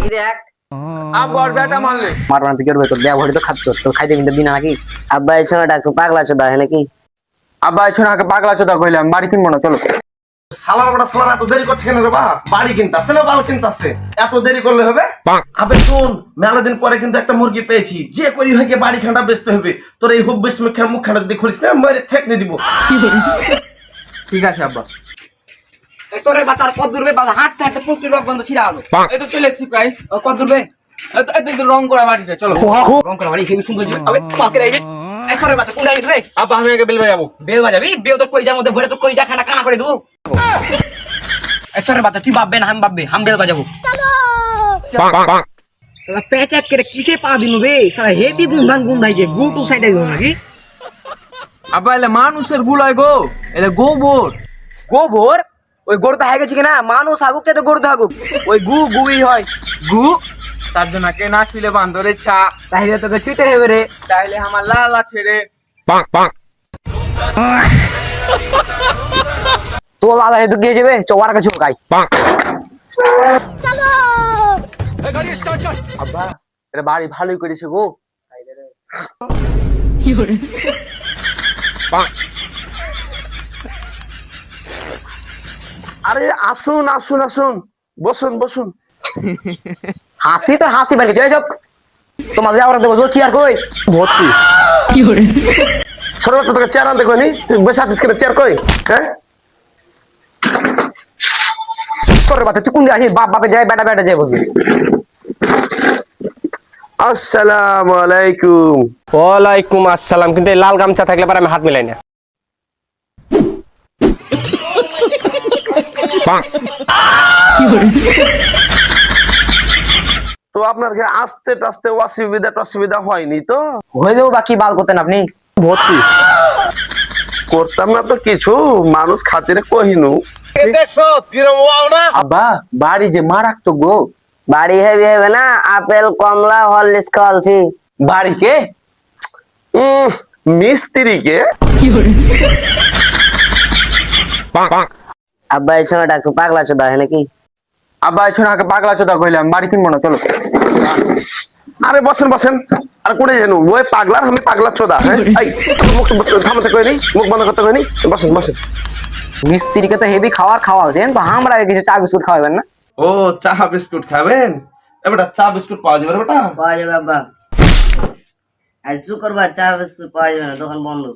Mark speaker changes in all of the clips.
Speaker 1: দেখ
Speaker 2: আব্বা আর বেটা মারলে
Speaker 1: মারবানা তুই করবে তোর ব্যবহারই তো খাচ্ছ তোর খাইতে কিন্তু দিনা নাকি আব্বা এই সময়টা একটু পাগলা চোদা হয় নাকি
Speaker 2: আব্বা এসে আগে পাগলা চোদা কইলাম বাড়ি কিনবো না চলো।
Speaker 3: সালার বড় সালার এত দেরি করছে কেন রে বাপ? বাড়ি কিনতাছে না বাল কিনতাছে? এত দেরি করলে হবে? আবে শুন, মেলা দিন পরে কিন্তু একটা মুরগি পেয়েছি, যে করি হয়ে বাড়ি খানটা বেচতে হবে। তোর এই হুব্বিস মুখখানা যদি খুলিস না মেরে ঠেকনে দিব।
Speaker 2: ঠিক আছে আব্বা।
Speaker 4: তোরে বাচ্চার কত দূরবে বাজা হাঁটতে হাঁটতে পুকুর লোক বন্ধ ছিড়া হলো।
Speaker 2: এই তো চলে এসেছি প্রায়।
Speaker 4: কত দূরবে
Speaker 2: এই তো রং করা বাড়িটা চলো।
Speaker 4: রং করা বাড়ি হেবি সুন্দর ছিল। আবে পাকে রে এই সরে বাচ্চা কোন যাবি?
Speaker 2: আব্বা আমি আগে বেল বাজাবো।
Speaker 4: বেল বাজাবি? বেল তো কই যার মধ্যে ভরে তো কই যা খানা কানা করে দেবো। এই সরে বাচ্চা তুই ভাববে না আমি ভাববে হাম বেল বাজাবো। সালা পেঁচাত করে কিসে পা দিনু বে? সালা হেভি গুন ভাইছে গু টু সাইডে গো নাকি?
Speaker 2: আব্বা এলে মানুষের গুলাই গো, এলে গোবর।
Speaker 4: গোবর? ওই গরু তো হয়ে গেছে কিনা? মানুষ আগুক চাই তো গরু তো আগুক, ওই গুই হয়।
Speaker 2: গু চারজনাকে না ছুইলে বান্দরে ছা,
Speaker 4: তাহলে তোকে ছুঁতে হবে রে।
Speaker 2: তাইলে আমার লালা ছেড়ে
Speaker 1: তো লালা হেতু গিয়ে যাবে চোয়ার কাছে ঝুঁকাই
Speaker 2: আব্বা এটা বাড়ি ভালোই করেছে গো।
Speaker 3: আরে আসুন আসুন আসুন, বসুন বসুন।
Speaker 1: হাসি তো হাসি বাকি জয় চোখ তোমার যাওয়ার দেবো বলছি আর কই
Speaker 3: ভর্তি ছোট বাচ্চা তোকে চেয়ার আনতে কইনি, তুই বসে আছিস কেন? চেয়ার কই? হ্যাঁ
Speaker 1: তোর বাচ্চা তুই কোন আসিস বাপ বাপে যায় বেটা বেটা যায় বসবি
Speaker 3: আসসালামু আলাইকুম।
Speaker 5: ওয়ালাইকুম আসসালাম। কিন্তু এই লাল গামছা থাকলে পরে আমি হাত মিলাই না।
Speaker 3: তো আপনার কি আস্তে টাস্তে অসুবিধা হয়নি তো?
Speaker 1: হয়ে যাবো বাকি বাল করতেন আপনি
Speaker 3: ভর্তি করতাম না তো কিছু, মানুষ খাতিরে কহিনু।
Speaker 2: আব্বা বাড়ি যে মারাত্মক গো।
Speaker 1: বাড়ি হেভি হবে না আপেল কমলা হরলিক্স খাওয়ালছি
Speaker 2: বাড়ি কে?
Speaker 3: মিস্ত্রিকে।
Speaker 1: আব্বা এই সময়টা একটু পাগলা চোদা হয় নাকি
Speaker 2: আব্বা এসে আগে পাগলা চোদা কইলাম বাড়ি কিনবো না চলো।
Speaker 3: আরে বসেন বসেন, আর কোনে জানু ওই পাগলার আমি পাগলা চোদা। হ্যাঁ এই মুখ থামাতে কইনি, মুখ বন্ধ করতে কইনি, বসেন বসেন।
Speaker 1: মিস্ত্রিকে তো হেভি খাওয়ালছেন তো আমরা কিছু চা বিস্কুট খাওয়াবেন না
Speaker 3: ও চা বিস্কুট খাবেন? এবারে চা বিস্কুট পাওয়া যাবে বেটা?
Speaker 1: পাওয়া যাবে আব্বা আজ শুক্রবার চা বিস্কুট পাওয়া যাবে না দোকান বন্ধ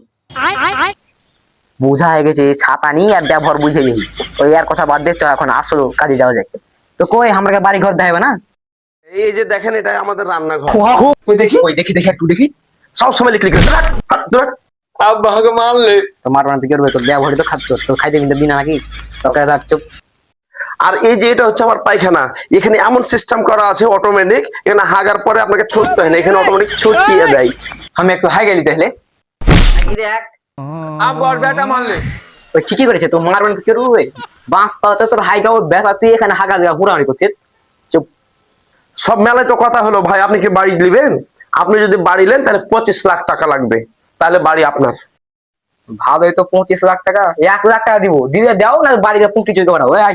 Speaker 1: বোঝা হয়ে গেছে ছাতা নিয়ে আর ব্যবহার বুঝে নি ওই আর কথা বাদ দিচ্ছ এখন আসলো কাজে যাওয়া যায় তো কই আমরা বাড়ি ঘর দেখাবে না
Speaker 3: এই যে দেখেন এটা আমাদের রান্নাঘর।
Speaker 1: কই দেখি ওই দেখি দেখি একটু দেখি
Speaker 3: সব সময় লিখলি
Speaker 2: আব্বা আমাকে মারলে
Speaker 1: তো মারবানা তুই করবে তোর ব্যবহারই তো খাচ্ছ তোর খাইতে কিন্তু দিনা নাকি তোকে থাকছো
Speaker 3: আর এই যে এটা হচ্ছে আমার পায়খানা, এখানে এমন সিস্টেম করা আছে অটোমেটিক, এখানে হাগার পরে আপনাকে ছুঁচতে হয় না, এখানে অটোমেটিক ছুঁচিয়ে দেয়।
Speaker 2: আমি একটু হাই গেলি তাহলে
Speaker 1: দেখ
Speaker 2: আব্বা আর বেটা মারলে
Speaker 1: ওই ঠিকই করেছে তো মারবানা তুই করবে বাঁচ তাতে তোর হাই গাও বেসা তুই এখানে হাগা জায়গা হুড়াহুড়ি করছিস চুপ
Speaker 3: সব মেলায় তো কথা হলো ভাই, আপনি কি বাড়ি নেবেন? আপনি যদি বাড়ি নেন তাহলে 25 লাখ টাকা লাগবে, তাহলে বাড়ি আপনার।
Speaker 1: ভাবে তো 25 লাখ টাকা 1 লাখ টাকা দিব দিয়ে দাও না বাড়িতে পুঁটি চুই করা ওই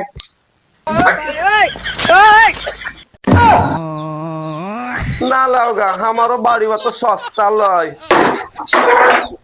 Speaker 3: না লাউগা আমারও বাড়ি অত সস্তা লয়।